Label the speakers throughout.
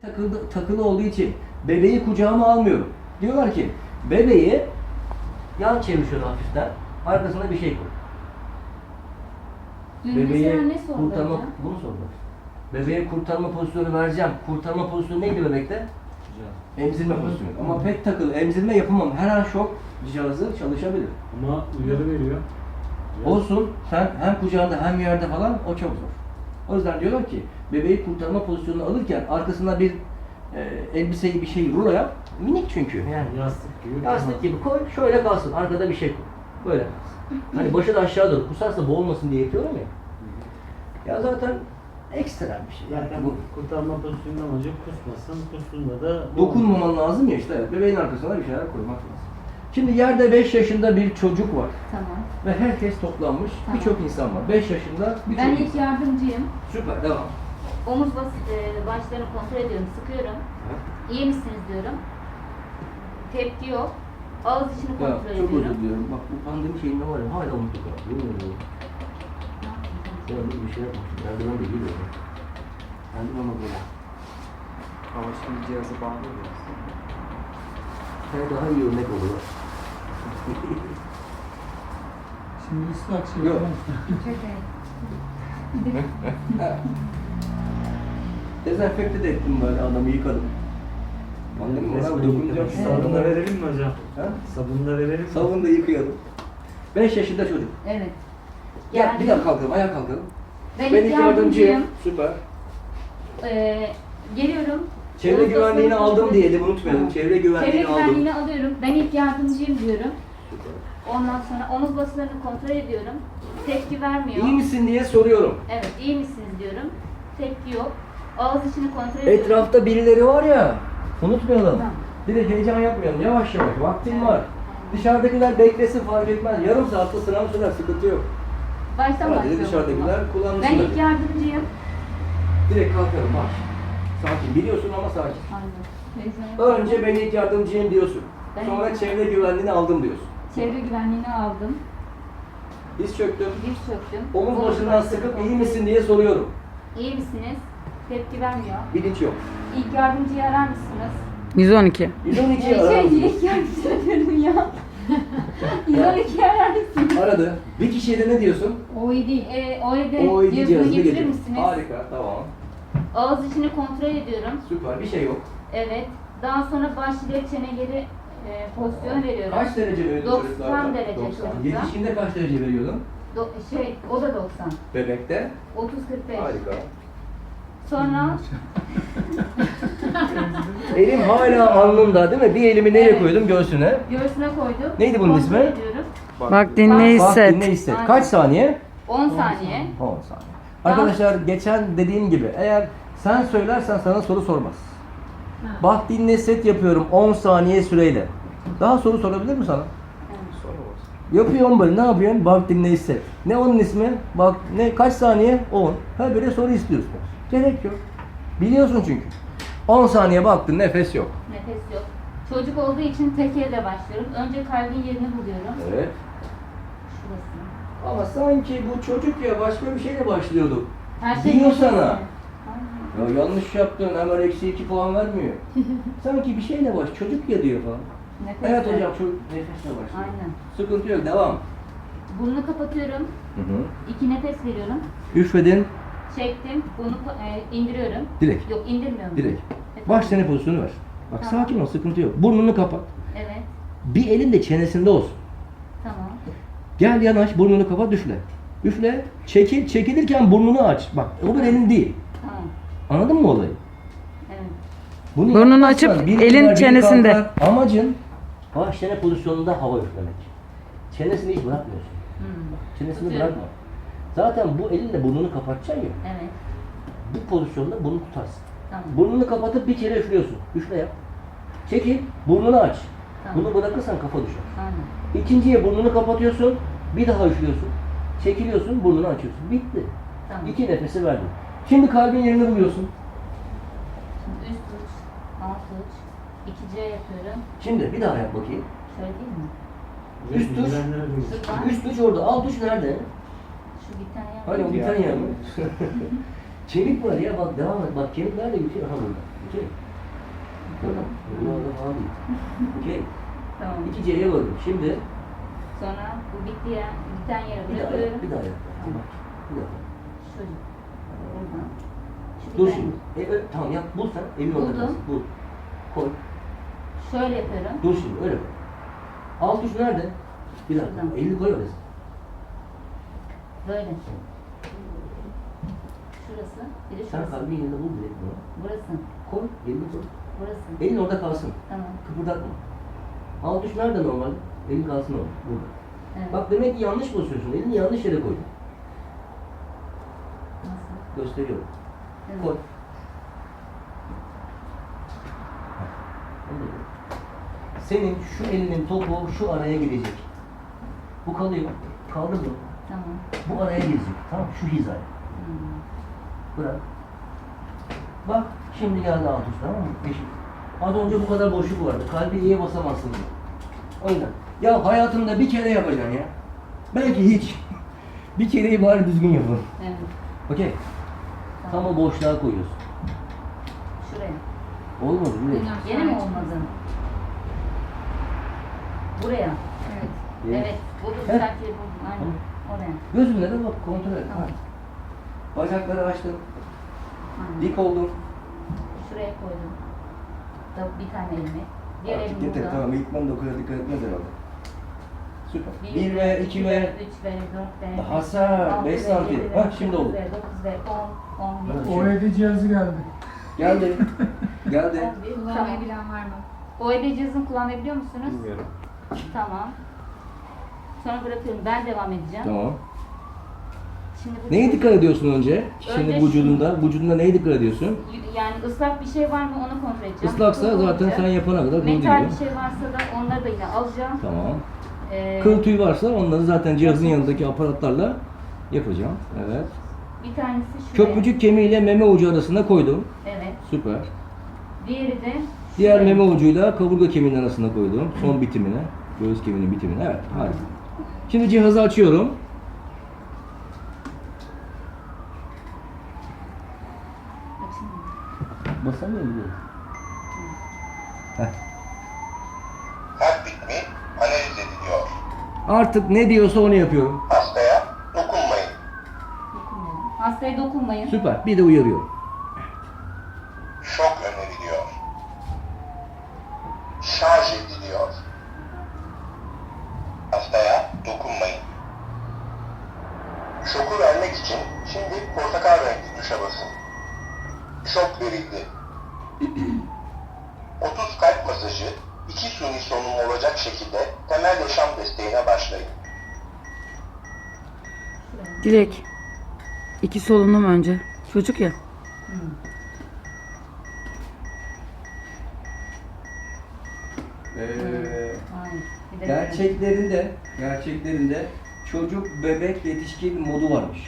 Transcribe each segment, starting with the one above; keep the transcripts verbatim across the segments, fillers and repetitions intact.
Speaker 1: takılı, takılı olduğu için bebeği kucağıma almıyorum. Diyorlar ki bebeği yan çevir şöyle hafiften, arkasına bir şey koy.
Speaker 2: Dün
Speaker 1: Bebeği
Speaker 2: mesela ne sordu
Speaker 1: kurtarma,
Speaker 2: hocam?
Speaker 1: bunu sordular. Bebeğe kurtarma pozisyonu vereceğim. Kurtarma pozisyonu neydi bebekte? Emzirme pozisyonu. Ama pek takılı, emzirme yapamam. Her an şok cihazı çalışabilir.
Speaker 3: Ama uyarı veriyor.
Speaker 1: Olsun, sen hem kucağında hem yerde falan o çok zor. O yüzden diyorlar ki bebeği kurtarma pozisyonunu alırken arkasına bir e, elbiseyi bir şey rulo yap. Minik çünkü yani.
Speaker 3: Yastık gibi.
Speaker 1: Yastık gibi koy, şöyle kalsın. Arkada bir şey koy. Böyle kalsın. Hani başı da aşağı doğru. Kusarsa boğulmasın diye yapıyorum ya. Ya zaten ekstrem bir şey. Yani
Speaker 3: Zaten
Speaker 1: bu
Speaker 3: bu kurtarma pozisyonundan amacı kusmasın, kustuğunda da
Speaker 1: dokunmaman lazım ya işte. Evet, bebeğin arkasına bir şeyler koymak lazım. Şimdi yerde beş yaşında bir çocuk var
Speaker 2: Tamam.
Speaker 1: ve herkes toplanmış.
Speaker 2: Tamam.
Speaker 1: Birçok insan var. beş yaşında bir
Speaker 2: Ben
Speaker 1: çocuk.
Speaker 2: ilk yardımcıyım.
Speaker 1: Süper, devam.
Speaker 2: Omuz bas, e, başlarını kontrol ediyorum, sıkıyorum. İyi misiniz diyorum. Tepki yok. Ağız içini
Speaker 1: Ya
Speaker 2: kontrol
Speaker 1: çok
Speaker 2: ediyorum.
Speaker 1: özür diliyorum. Bak bu pandemi şeyinde var ya hala unuttuk ha. Yemin ediyorum. Ya bir şey yapmışım. Merdiven de geliyor. Merdiven ama böyle.
Speaker 4: Ama şimdi cihazı bağlı biraz.
Speaker 1: Sen daha iyi örnek oluyor.
Speaker 4: Şimdi ıslak şey
Speaker 1: Yok. Dezenfekte de ettim böyle adamı yıkadım. Pandemi var abi dokunacağım.
Speaker 2: Evet.
Speaker 3: Sabunu da verelim mi hocam?
Speaker 1: Ha?
Speaker 3: Sabunu da verelim mi?
Speaker 1: Sabunu da yıkayalım. beş yaşında çocuk.
Speaker 2: Evet.
Speaker 1: Gel
Speaker 2: Yani-
Speaker 1: bir daha kalkalım, ayağa kalkalım.
Speaker 2: Ben
Speaker 1: Ben
Speaker 2: ilk
Speaker 1: ilk
Speaker 2: yardımcıyım.
Speaker 1: yardımcıyım. Süper.
Speaker 2: Ee, geliyorum.
Speaker 1: Çevre
Speaker 2: Omuz
Speaker 1: güvenliğini
Speaker 2: baslarını
Speaker 1: aldım
Speaker 2: kontrol-
Speaker 1: diyelim, unutmayalım.
Speaker 2: Tamam.
Speaker 1: Çevre güvenliğini
Speaker 2: Çevre
Speaker 1: aldım.
Speaker 2: güvenliğini alıyorum. Ben ilk yardımcıyım diyorum.
Speaker 1: Süper.
Speaker 2: Ondan sonra omuz basılarını kontrol ediyorum. Tepki vermiyor.
Speaker 1: İyi misin diye soruyorum.
Speaker 2: Evet, iyi misiniz diyorum. Tepki yok. Ağız içini kontrol ediyorum.
Speaker 1: Etrafta birileri var ya, unutmayalım.
Speaker 2: Tamam.
Speaker 1: Bir de heyecan yapmayalım, yavaş yavaş, vaktin
Speaker 2: Evet.
Speaker 1: var. Dışarıdakiler beklesin fark etmez, yarım saatte sınav sürer, sıkıntı yok.
Speaker 2: Baştan
Speaker 1: Sadece
Speaker 2: başlıyorum.
Speaker 1: dışarıdakiler
Speaker 2: Ben
Speaker 1: kullanmışlar.
Speaker 2: ilk yardımcıyım.
Speaker 1: Direkt kalkarım, bak. Sakin, biliyorsun ama sakin.
Speaker 2: Aynen.
Speaker 1: Önce ben ilk yardımcıyım diyorsun.
Speaker 2: Ben
Speaker 1: Sonra
Speaker 2: ilk-
Speaker 1: çevre güvenliğini aldım diyorsun.
Speaker 2: Çevre güvenliğini aldım.
Speaker 1: Diz çöktüm.
Speaker 2: Diz çöktüm.
Speaker 1: Omuz başından
Speaker 2: başlarını
Speaker 1: sıkıp
Speaker 2: kontrol
Speaker 1: iyi misin diye soruyorum.
Speaker 2: İyi misiniz? Tepki vermiyor.
Speaker 1: Bilinç yok.
Speaker 2: İlk yardımcıyı arar mısınız?
Speaker 5: yüz on iki.
Speaker 1: yüz on iki'yi
Speaker 2: Ee,
Speaker 1: arar
Speaker 2: şey,
Speaker 1: mısın?
Speaker 2: ilk yardımcı diyorum ya. yüz on iki'yi arar mısınız?
Speaker 1: Aradı. Bir kişiye de ne diyorsun?
Speaker 2: O iyi değil. Ee, O E D
Speaker 1: O iyi
Speaker 2: cihazını
Speaker 1: cihazını
Speaker 2: getirir
Speaker 1: getir.
Speaker 2: misiniz?
Speaker 1: Harika, tamam.
Speaker 2: Ağız içini kontrol ediyorum.
Speaker 1: Süper, bir şey yok.
Speaker 2: Evet. Daha sonra baş ile çeneleri e, pozisyonu veriyorum.
Speaker 1: Kaç derece veriyordun
Speaker 2: doksan
Speaker 1: çocuklarda?
Speaker 2: derece
Speaker 1: doksan.
Speaker 2: çocukta.
Speaker 1: Yetişkinde kaç derece veriyordun?
Speaker 2: Do- şey, o da doksan.
Speaker 1: Bebekte?
Speaker 2: otuz kırk beş.
Speaker 1: Harika.
Speaker 2: Sonra
Speaker 1: Elim hala alnımda değil mi? Bir elimi nereye
Speaker 2: Evet.
Speaker 1: koydum? Göğsüne.
Speaker 2: göğsüne koydum.
Speaker 1: Neydi bunun
Speaker 2: Kontrol
Speaker 1: ismi?
Speaker 2: ediyorum.
Speaker 5: Bak dinle
Speaker 1: Bak
Speaker 5: hisset.
Speaker 1: dinle hisset.
Speaker 2: Aynen.
Speaker 1: Kaç saniye?
Speaker 2: on saniye.
Speaker 1: on saniye. Arkadaşlar geçen dediğim gibi eğer sen söylersen sana soru sormaz. Bak dinle hisset yapıyorum on saniye süreyle. Daha soru sorabilir mi sana? Yapıyorum böyle. Ne yapıyorsun? Bak dinle hisset. Ne onun ismi? Bak ne kaç saniye? on. Ha böyle soru istiyorsun. Gerek yok. Biliyorsun çünkü. on saniye baktın nefes yok.
Speaker 2: Nefes yok. Çocuk olduğu için tek elle başlıyorum. Önce kalbin yerini buluyorum.
Speaker 1: Evet.
Speaker 2: Şurası.
Speaker 1: Ama sanki bu çocuk ya başka bir şeyle başlıyordu.
Speaker 2: Her şey
Speaker 1: Diyor
Speaker 2: nefes
Speaker 1: sana.
Speaker 2: mi? Aynen.
Speaker 1: Ya yanlış yaptın hemen eksi iki puan vermiyor. Sanki bir şeyle baş çocuk ya diyor falan.
Speaker 2: Nefes
Speaker 1: Evet
Speaker 2: yok.
Speaker 1: hocam çocuk nefesle başlıyor.
Speaker 2: Aynen.
Speaker 1: Sıkıntı yok devam.
Speaker 2: Burnunu kapatıyorum.
Speaker 1: Hı hı.
Speaker 2: İki nefes veriyorum.
Speaker 1: Üfledin
Speaker 2: Çektim. Bunu e, indiriyorum.
Speaker 1: direkt.
Speaker 2: Yok indirmiyorum.
Speaker 1: Direkt.
Speaker 2: Evet.
Speaker 1: Baş çene pozisyonu ver. Bak
Speaker 2: Tamam.
Speaker 1: sakin ol sıkıntı yok. Burnunu kapat.
Speaker 2: Evet.
Speaker 1: Bir elin de çenesinde olsun.
Speaker 2: Tamam.
Speaker 1: Gel yanaş burnunu kapat üfle. Üfle. Çekil. Çekilirken burnunu aç. Bak o bir elin değil.
Speaker 2: Tamam.
Speaker 1: Anladın mı olayı?
Speaker 2: Evet.
Speaker 1: Bunu
Speaker 5: Burnunu
Speaker 1: yapmazsan
Speaker 5: açıp
Speaker 1: biri
Speaker 5: elin
Speaker 1: gider, biri
Speaker 5: çenesinde.
Speaker 1: kalkar. Amacın baş çene pozisyonunda hava üflemek. Çenesini hiç bırakmıyorsun.
Speaker 2: Hmm.
Speaker 1: Çenesini
Speaker 2: Tutuyorum.
Speaker 1: bırakma. Zaten bu elinle burnunu kapatacaksın ya.
Speaker 2: Evet.
Speaker 1: Bu pozisyonda bunu tutarsın.
Speaker 2: Tamam.
Speaker 1: Burnunu kapatıp bir kere üflüyorsun. Üfle yap. Çekil. Burnunu aç.
Speaker 2: Tamam.
Speaker 1: Bunu bırakırsan kafa düşer.
Speaker 2: Aynen.
Speaker 1: İkinciye burnunu kapatıyorsun. Bir daha üflüyorsun. Çekiliyorsun. Burnunu açıyorsun. Bitti.
Speaker 2: Tamam.
Speaker 1: İki nefesi verdin. Şimdi kalbin yerini buluyorsun.
Speaker 2: Şimdi üst uç, alt uç, iki C yapıyorum.
Speaker 1: Şimdi bir daha yap bakayım.
Speaker 2: Şöyle değil mi?
Speaker 1: Üst tuş.
Speaker 3: Güvenler duyuyor.
Speaker 2: Şuradan.
Speaker 1: Üst uç orada. Alt uç nerede?
Speaker 2: Şu bir tane
Speaker 1: Hani o
Speaker 2: yapayım.
Speaker 1: bir tane yer mi? Kemik var ya bak devam et. Bak kemik nerede bitiyor? Aha burada. Okey. Tamam. Bunlar da falan değil. Okey.
Speaker 2: Tamam.
Speaker 1: İki C'ye böldüm. Şimdi
Speaker 2: Sonra bu bitti ya. Biten yere
Speaker 1: bir daha
Speaker 2: bırakıyorum.
Speaker 1: yap, bir daha yap. Bir bak. Bir daha.
Speaker 2: Şöyle. Buradan. Şu
Speaker 1: Dur
Speaker 2: biten-
Speaker 1: şimdi. E, ö- tamam yap. Bul sen. Elini orada
Speaker 2: Buldum.
Speaker 1: kalsın. Bul. Koy.
Speaker 2: Şöyle yapıyorum.
Speaker 1: Dur şimdi. Öyle koy. Alt tuş nerede? Bir dakika.
Speaker 2: Şuradan.
Speaker 1: Elini koy oraya.
Speaker 2: Böyle. Şurası. Bir de
Speaker 1: Sen
Speaker 2: şurası.
Speaker 1: kalbin yerinde bul direkt bunu.
Speaker 2: Burası.
Speaker 1: Koy. Elini koy.
Speaker 2: Burası.
Speaker 1: Elin orada kalsın.
Speaker 2: Tamam.
Speaker 1: Kıpırdatma. Alt tuş nerede normal? Elin kalsın orada. Burada.
Speaker 2: Evet.
Speaker 1: Bak demek ki yanlış basıyorsun. Elini yanlış yere koydun.
Speaker 2: Nasıl?
Speaker 1: Gösteriyorum.
Speaker 2: Evet.
Speaker 1: Koy. Onu da koy. Senin şu elinin topu şu araya girecek. Bu kalıyor. Kaldı mı?
Speaker 2: Tamam.
Speaker 1: Bu araya girecek. Tamam şu hizaya.
Speaker 2: Hmm.
Speaker 1: Bırak. Bak şimdi geldi alt üst, tamam mı? Eşit. Az önce bu kadar boşluk vardı. Kalbi iyiye basamazsın. O yüzden. Ya hayatında bir kere yapacaksın ya. Belki hiç. Bir kereyi bari düzgün yapın.
Speaker 2: Evet.
Speaker 1: Okey. Tam o boşluğa koyuyorsun.
Speaker 2: Şuraya.
Speaker 1: Olmadı bile.
Speaker 2: Yine mi olmadı? Buraya. Evet.
Speaker 1: Evet.
Speaker 2: Evet. Bu da
Speaker 1: Heh.
Speaker 2: düzeltiyor. Aynen. Oraya.
Speaker 1: Gözünle de bak kontrol et.
Speaker 2: Tamam.
Speaker 1: Ha. Bacakları açtın.
Speaker 2: Aynen.
Speaker 1: Dik oldun.
Speaker 2: Şuraya koydum. Da bir tane elimi. Diğer
Speaker 1: Artık
Speaker 2: elim
Speaker 1: yeter.
Speaker 2: burada.
Speaker 1: Tamam ilk o kadar dikkat etmez herhalde. Süper.
Speaker 2: Bir
Speaker 1: Bir ve iki ve
Speaker 2: üç ve dört ve
Speaker 1: Daha sağ,
Speaker 2: altı
Speaker 1: beş
Speaker 2: ve
Speaker 1: santim.
Speaker 2: yedi ve
Speaker 1: Hah, şimdi oldu.
Speaker 2: dokuz ve dokuz ve on, on bir.
Speaker 1: Evet.
Speaker 4: O E D cihazı geldi.
Speaker 1: geldi. geldi.
Speaker 2: on bir. Tamam.
Speaker 6: Kullanmayı bilen var mı?
Speaker 2: O E D cihazını kullanmayı biliyor musunuz?
Speaker 3: Bilmiyorum.
Speaker 2: Tamam. Sonra bırakıyorum. Ben devam edeceğim.
Speaker 1: Tamam.
Speaker 2: Şimdi bu
Speaker 1: Neye dikkat ediyorsun önce? Kişinin
Speaker 2: Önce
Speaker 1: vücudunda, vücudunda neye dikkat ediyorsun?
Speaker 2: Yani ıslak bir şey var mı onu kontrol edeceğim.
Speaker 1: Islaksa
Speaker 2: Kıl
Speaker 1: zaten
Speaker 2: olacak.
Speaker 1: sen yapana kadar kıl
Speaker 2: Metal
Speaker 1: gidiyor.
Speaker 2: bir şey varsa da onları da yine alacağım.
Speaker 1: Tamam.
Speaker 2: Ee,
Speaker 1: Kıl tüy varsa onları zaten cihazın yanındaki aparatlarla yapacağım. Evet.
Speaker 2: Bir tanesi şuraya.
Speaker 1: Köprücük kemiğiyle meme ucu arasında koydum.
Speaker 2: Evet.
Speaker 1: Süper.
Speaker 2: Diğeri de
Speaker 1: Diğer
Speaker 2: şuraya.
Speaker 1: meme ucuyla kaburga kemiğinin arasında koydum. Son bitimine. Göğüs kemiğinin bitimine. Evet. Harika. Şimdi cihazı açıyorum.
Speaker 2: Açın.
Speaker 1: Basamıyor muyum? Heh.
Speaker 7: Kalp ritmi analiz ediliyor.
Speaker 1: Artık ne diyorsa onu yapıyorum.
Speaker 7: Hastaya dokunmayın.
Speaker 2: Dokunmayın. Hastaya dokunmayın.
Speaker 1: Süper. Bir de uyarıyorum.
Speaker 7: Şok öneriliyor. Şarj ediliyor. Hastaya dokunmayın. Şoku vermek için şimdi portakal renkli tuşa basın. Şok verildi. otuz kalp masajı, iki suni solunum olacak şekilde temel yaşam desteğine başlayın.
Speaker 2: Şuraya.
Speaker 5: Dilek. İki solunum önce. Çocuk ya.
Speaker 2: Hayır. Bir de
Speaker 1: Gerçeklerinde, gerçeklerinde çocuk, bebek, yetişkin modu varmış.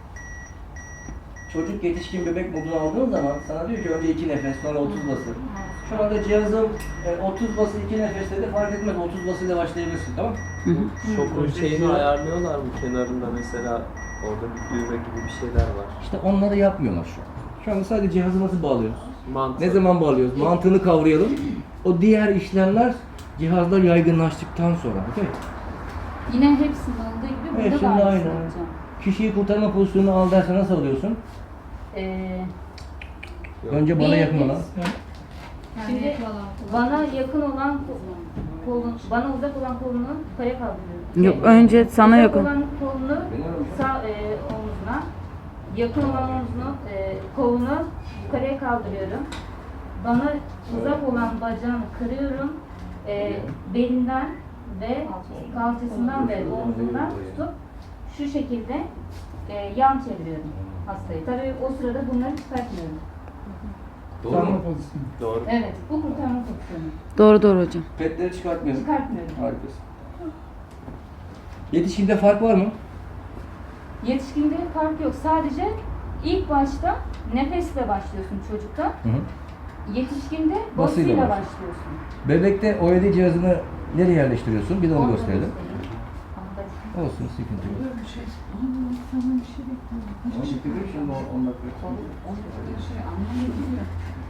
Speaker 1: Çocuk, yetişkin, bebek modunu aldığın zaman sana diyor ki önce iki nefes, sonra otuz bası. Şu anda cihazım e, otuz bası iki nefes dedi, fark etmez otuz basıyla başlayabilirsin, tamam mı?
Speaker 5: Hı hı.
Speaker 3: Şokun şeyini ayarlıyorlar mı kenarında mesela orada bir düğme gibi bir şeyler var.
Speaker 1: İşte onları yapmıyorlar şu an. Şu anda sadece cihazı nasıl bağlıyoruz?
Speaker 3: Mantık.
Speaker 1: Ne zaman bağlıyoruz? Mantığını kavrayalım. O diğer işlemler cihazlar yaygınlaştıktan sonra, okey?
Speaker 2: Yine hepsinin olduğu gibi burada
Speaker 1: Hepsinde
Speaker 2: da aynısını
Speaker 1: aynı.
Speaker 2: yapacağım.
Speaker 1: Kişiyi kurtarma pozisyonunu al derse nasıl alıyorsun?
Speaker 2: Ee,
Speaker 3: Yok.
Speaker 1: Önce bana
Speaker 2: Bir-
Speaker 1: yakın olan.
Speaker 2: Şimdi
Speaker 6: Şimdi falan.
Speaker 2: bana yakın olan ko- kolun, bana uzak olan kolunu yukarıya kaldırıyorum.
Speaker 5: Yok,
Speaker 2: Şey,
Speaker 5: önce sana
Speaker 2: uzak
Speaker 5: yakın.
Speaker 2: olan kolunu sağ e, omzuna, yakın olan omzunu, e, kolunu yukarıya kaldırıyorum. Bana uzak olan bacağını kırıyorum. E, belinden ve kalçasından ve omzundan tutup şu şekilde e, yan çeviriyorum hastayı. Tabii o sırada bunları çıkartmıyorum.
Speaker 1: Doğru
Speaker 4: Kurtarma
Speaker 1: mu?
Speaker 4: pozisyonu.
Speaker 3: Doğru.
Speaker 2: Evet, bu kurtarma pozisyonu.
Speaker 5: Doğru doğru hocam.
Speaker 1: Petleri çıkartmıyorsun.
Speaker 2: Çıkartmıyorum.
Speaker 1: Harikasın. Yetişkinde fark var mı?
Speaker 2: Yetişkinde fark yok. Sadece ilk başta nefesle başlıyorsun çocukta.
Speaker 1: Hı hı.
Speaker 2: Yetişkinde
Speaker 1: Basıyla
Speaker 2: basıyla
Speaker 1: başlıyor.
Speaker 2: başlıyorsun.
Speaker 1: Bebekte O E D cihazını nereye yerleştiriyorsun? Bir de onu
Speaker 2: Onu da
Speaker 1: gösterelim.
Speaker 2: göstereyim. Ama
Speaker 1: Olsun, sıkıntı yok.
Speaker 6: Bir şey. Ama sana bir şey bekliyorum.
Speaker 1: Şimdi on dakika.
Speaker 6: Bir şey anlamadım ya.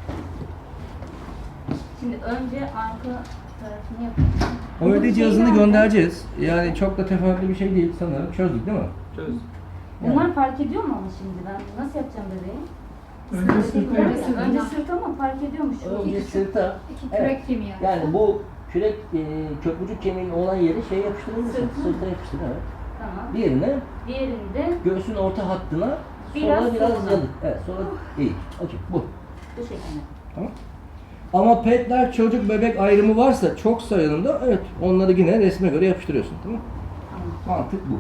Speaker 2: Şimdi önce arka tarafını yapalım.
Speaker 1: O öde
Speaker 2: Bunun
Speaker 1: cihazını
Speaker 2: şeyi nerede?
Speaker 1: göndereceğiz. Yani çok da teferruatlı bir şey değil sanırım. Çözdük değil mi?
Speaker 3: Çöz.
Speaker 2: Bunlar fark ediyor mu ama şimdi ben nasıl yapacağım bebeği?
Speaker 4: Önce sırta
Speaker 2: Önce,
Speaker 4: yapsın.
Speaker 2: önce sırt ama fark ediyormuş.
Speaker 1: Önce sırta.
Speaker 6: İki
Speaker 1: Evet.
Speaker 6: kürek kemiği.
Speaker 1: Yani bu kürek e, köprücük kemiğinin olan yeri şey yapıştırılır.
Speaker 2: Sırtına.
Speaker 1: Sırta yapıştır, evet.
Speaker 2: Tamam.
Speaker 1: Diğerine
Speaker 2: Diğerinde
Speaker 1: göğsün orta hattına
Speaker 2: Biraz
Speaker 1: sola biraz
Speaker 2: sola.
Speaker 1: yalık. Evet, sola iyi. Okey, bu.
Speaker 2: bu şekilde.
Speaker 1: Tamam. Ama petler çocuk bebek ayrımı varsa çok sayılımda evet onları yine resme göre yapıştırıyorsun, tamam mı?
Speaker 2: Tamam.
Speaker 1: Mantık bu.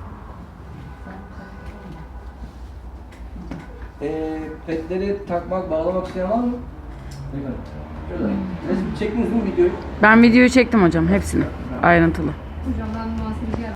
Speaker 1: Ee, petleri takmak, bağlamak isteyen var mı? Bakın. Şöyle. Resmi çektiniz mi videoyu?
Speaker 5: Ben videoyu çektim hocam hepsini. Ayrıntılı.
Speaker 6: Hocam ben muhasebeci